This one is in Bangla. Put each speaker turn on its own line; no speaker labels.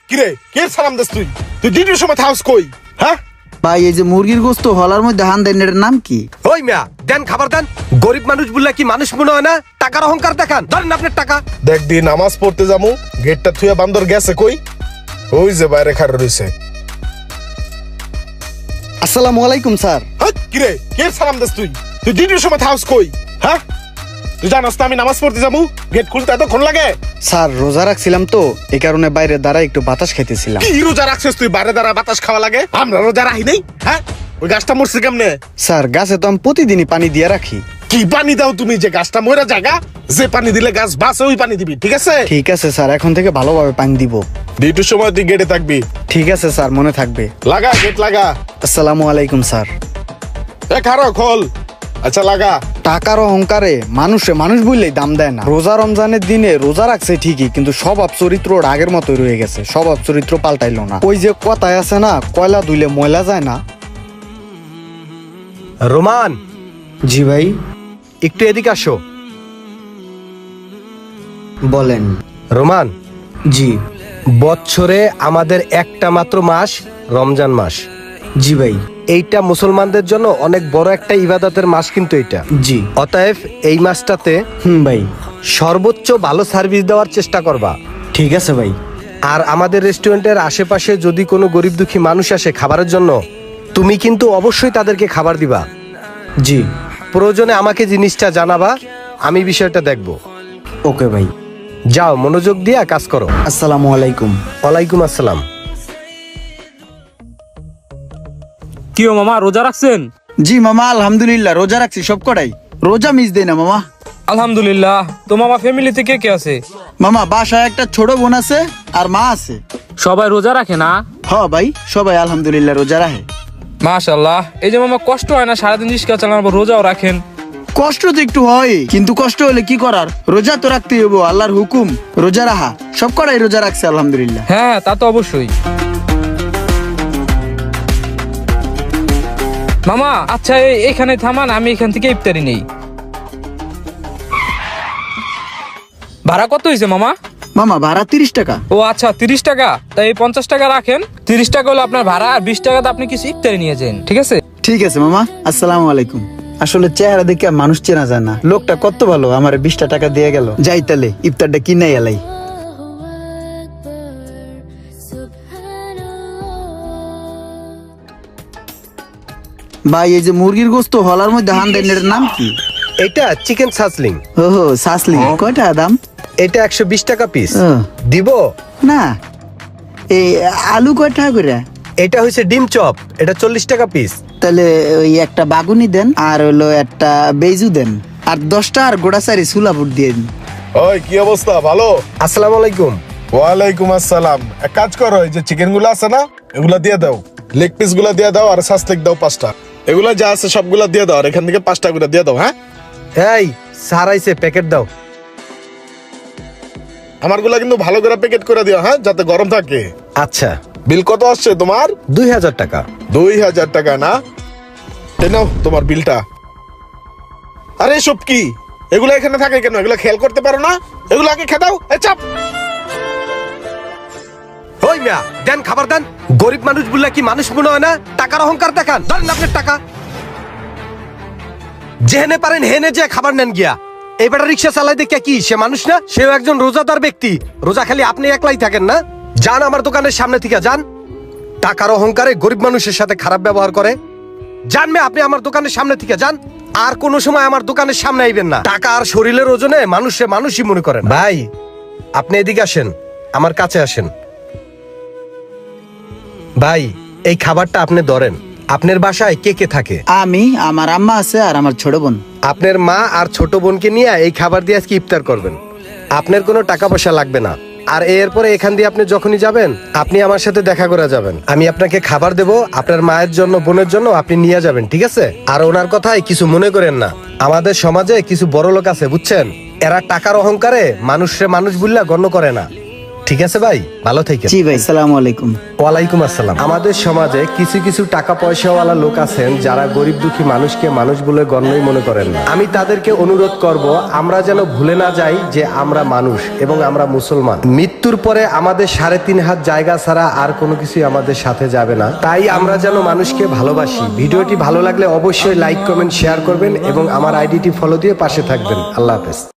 কিরে কে সালাম দিস তুই? তুই ডিউটির সময় থাকস কই? হ্যাঁ
ভাই এই যে মুরগির গোস্ত হলার মধ্যে হান দেন, এটার নাম কি?
ওই মিয়া দেন খাবার দেন। গরিব মানুষ বললে কি মানুষ মনে হয় না? টাকার অহংকার দেখান, ধরেন আপনার টাকা।
দেখ দি নামাজ পড়তে যামু, গেটটা থুয়া বান্দর গেছে কই? ওই যে বাইরে খাড়া রইছে।
আসসালামু আলাইকুম স্যার।
হ্যাঁ কিরে কে সালাম দিস তুই? তুই ডিউটির সময় থাকস কই? হ্যাঁ তুই জানাস না আমি নামাজ পড়তে যাবো, গেট খুলতে এতক্ষণ লাগে?
স্যার রোজা রাখছিলাম তো, এই কারণে বাইরে দাঁড়ায় একটু বাতাস খাইতেছিলাম।
কি রোজা রাখছিস তুই? বাইরে দাঁড়া বাতাস খাওয়া লাগে? আমরা রোজা রাখি নাই। হ্যাঁ ওই গাছটা মরছে কেমনে?
স্যার গাছে তো আমি প্রতিদিনই পানি দিয়ে রাখি।
কি পানি দাও তুমি যে গাছটা মরা জায়গা? যে পানি দিলে গাছ বাঁচে ওই পানি দিবি, ঠিক আছে?
ঠিক আছে স্যার, এখন থেকে ভালোভাবে পানি দিব।
ডিউটির সময় তুই গেটে থাকবি।
ঠিক আছে স্যার, মনে থাকবে।
লাগা গেট লাগা।
আসসালামু আলাইকুম স্যার।
খারো খোল। আচ্ছা লাগা।
টাকার অহংকারে মানুষ বললেই দাম দেয় না। রোজা রমজানের দিনে রোজা রাখছে ঠিকই, কিন্তু স্বভাব চরিত্র ওর আগের মতোই রয়ে গেছে। স্বভাব চরিত্র পাল্টাইলো না। ওই যে কথায় আছে না, কয়লা ধুইলে ময়লা যায় না।
রোমান
জি ভাই
একটু এদিকে আসো।
বলেন।
রোমান,
জি
বছরে আমাদের একটা মাত্র মাস রমজান মাস।
জি ভাই।
এইটা মুসলমানদের জন্য অনেক বড় একটা ইবাদতের মাস কিন্তু এটা।
জি
অতএব এই মাসটাতে
ভাই।
সর্বোচ্চ ভালো সার্ভিস দেওয়ার চেষ্টা করবা।
ঠিক আছে ভাই।
আর আমাদের রেস্টুরেন্টের আশেপাশে যদি কোনো গরিব দুঃখী মানুষ আসে খাবারের জন্য, তুমি কিন্তু অবশ্যই তাদেরকে খাবার দিবা।
জি
প্রয়োজনে আমাকে জিনিসটা জানাবা, আমি বিষয়টা দেখব।
ওকে ভাই।
যাও মনোযোগ দিয়ে কাজ করো।
আসসালামু আলাইকুম।
ওয়ালাইকুম আসসালাম।
কি ও মামা রোজা রাখছেন?
জি মামা আলহামদুলিল্লাহ রোজা রাখছি সব কটাই। রোজা মিস দেই না মামা।
আলহামদুলিল্লাহ। তো মামা ফ্যামিলিতে কে কে আছে?
মামা বাসায় একটা ছোট বোন আছে আর মা আছে।
সবাই রোজা রাখে না?
হ ভাই সবাই আলহামদুলিল্লাহ রোজা রাখে।
মাশাআল্লাহ। এই যে মামা কষ্ট হয় না সারাদিন রিস্কা চালানোর পর রোজাও রাখেন?
কষ্ট তো একটু হয়, কিন্তু কষ্ট হলে কি করার, রোজা তো রাখতে হইব, আল্লাহর হুকুম রোজা রাখা। সব কটাই রোজা রাখছে আলহামদুলিল্লাহ।
হ্যাঁ তা তো অবশ্যই। মামা আচ্ছা এখানে থামান, আমি এখান থেকে ইফতারি নেই। ভাড়া কত হয়েছে মামা?
মামা ভাড়া 30 টাকা।
ও আচ্ছা 30 টাকা। তাই এই 50 টাকা রাখেন। 30 টাকা হলো আপনার ভাড়া, আর 20 টাকাতে আপনি কিছু ইফতারি নিয়ে যান, ঠিক আছে?
ঠিক আছে মামা। আসসালামু আলাইকুম। আসলে চেহারা দেখে মানুষ চেনা যায় না। লোকটা কত ভালো, আমার 20টা টাকা দিয়ে গেল। যাই তাহলে ইফতারটা কিনাই এলাই। ভাই এই যে মুরগির গোস্ত হলার মধ্যে হান দেন, এটার নাম কি?
এটা চিকেন সাসলিং।
ওহো সাসলি। কয়টা দাম?
এটা 120 টাকা পিস।
ও।
দিব
না এই আলু কয় টাকা করে?
এটা হইছে ডিম চপ, এটা 40 টাকা পিস।
তাহলে ওই একটা বাগুনি দেন, আর হলো একটা বেজু দেন, আর 10টা আর গোড়াচারি সুলাপুর দিয়ে দিন।
ওই কি অবস্থা? ভালো?
আসসালামু আলাইকুম।
ওয়ালাইকুম আসসালাম। এক কাজ করো, এই যে চিকেন গুলো আছে না, এগুলা দিয়ে দাও। লেগ পিস গুলা দিয়ে দাও, আর সাসলেক দাও 5টা। এগুলা যা আছে সবগুলা দিয়ে দাও, আর এখান থেকে 5টা করে দিয়ে দাও। হ্যাঁ
এই সারাইছে প্যাকেট দাও।
আমারগুলা কিন্তু ভালো করে প্যাকেট করে দিও, হ্যাঁ, যাতে গরম থাকে।
আচ্ছা।
বিল কত আসছে তোমার?
2000 টাকা।
2000 টাকা না? এই নাও তোমার বিলটা। আরে সব কি এগুলা এখানে থাকে কেন? এগুলা খেয়াল করতে পারো না? এগুলা আগে খেয়ে দাও। এই চাপ।
ওই মিয়া দেন খাবার দেন। গরিব মানুষ বললে কি মানুষ মনে হয় না? টাকার অহংকার দেখান, ধরেন আপনার টাকা। যেহেনে পারেন হেনে যে খাবার নেন গিয়া। এই বেটা রিক্সা চালাই দেখে কি সে মানুষ না? সেও একজন রোজাদার ব্যক্তি। রোজা খালি আপনি একলাই থাকেন না? যান আমার দোকানের সামনে থেকে যান। টাকার অহংকারে গরিব মানুষের সাথে খারাপ ব্যবহার করে। যান মে আপনি আমার দোকানের সামনে থেকে যান। আর কোন সময় আমার দোকানের সামনে আইবেন না। টাকা আর শরীরের ওজনে মানুষে মানুষই মনে করেন। ভাই আপনি এদিকে আসেন, আমার কাছে আসেন। ভাই এই খাবারটা আপনি ধরেন। আপনার বাসায় কে কে থাকে?
আমি, আমার আম্মা আছে, আর আমার ছোট বোন।
আপনার মা আর ছোট বোনকে নিয়ে এই খাবার দিয়ে আজকে ইফতার করবেন। আপনার কোনো টাকা পয়সা লাগবে না। আর এরপরে এখান দিয়ে আপনি যখনই যাবেন, আপনি আমার সাথে দেখা করে যাবেন। আমি আপনাকে খাবার দেবো, আপনার মায়ের জন্য বোনের জন্য আপনি নিয়ে যাবেন, ঠিক আছে? আর ওনার কথায় কিছু মনে করেন না। আমাদের সমাজে কিছু বড় লোক আছে বুঝছেন, এরা টাকার অহংকারে মানুষে মানুষ বললে গণ্য করে না। ঠিক আছে ভাই, ভালো থাকেন।
জি ভাই, আসসালামু আলাইকুম।
ওয়ালাইকুম আসসালাম। আমাদের সমাজে কিছু কিছু টাকা পয়সাওয়ালা লোক আছেন যারা গরিব দুঃখী মানুষকে মানুষ বলে গণ্যই মনে করেন না। আমি তাদেরকে অনুরোধ করব, আমরা যেন ভুলে না যাই যে আমরা মানুষ এবং আমরা মুসলমান। মৃত্যুর পরে আমাদের 3.5 হাত জায়গা ছাড়া আর কোনো কিছুই আমাদের সাথে যাবে না। তাই আমরা যেন মানুষকে ভালোবাসি। ভিডিওটি ভালো লাগলে অবশ্যই লাইক, কমেন্ট, শেয়ার করবেন এবং আমার আইডিটি ফলো দিয়ে পাশে থাকবেন। আল্লাহ হাফেজ।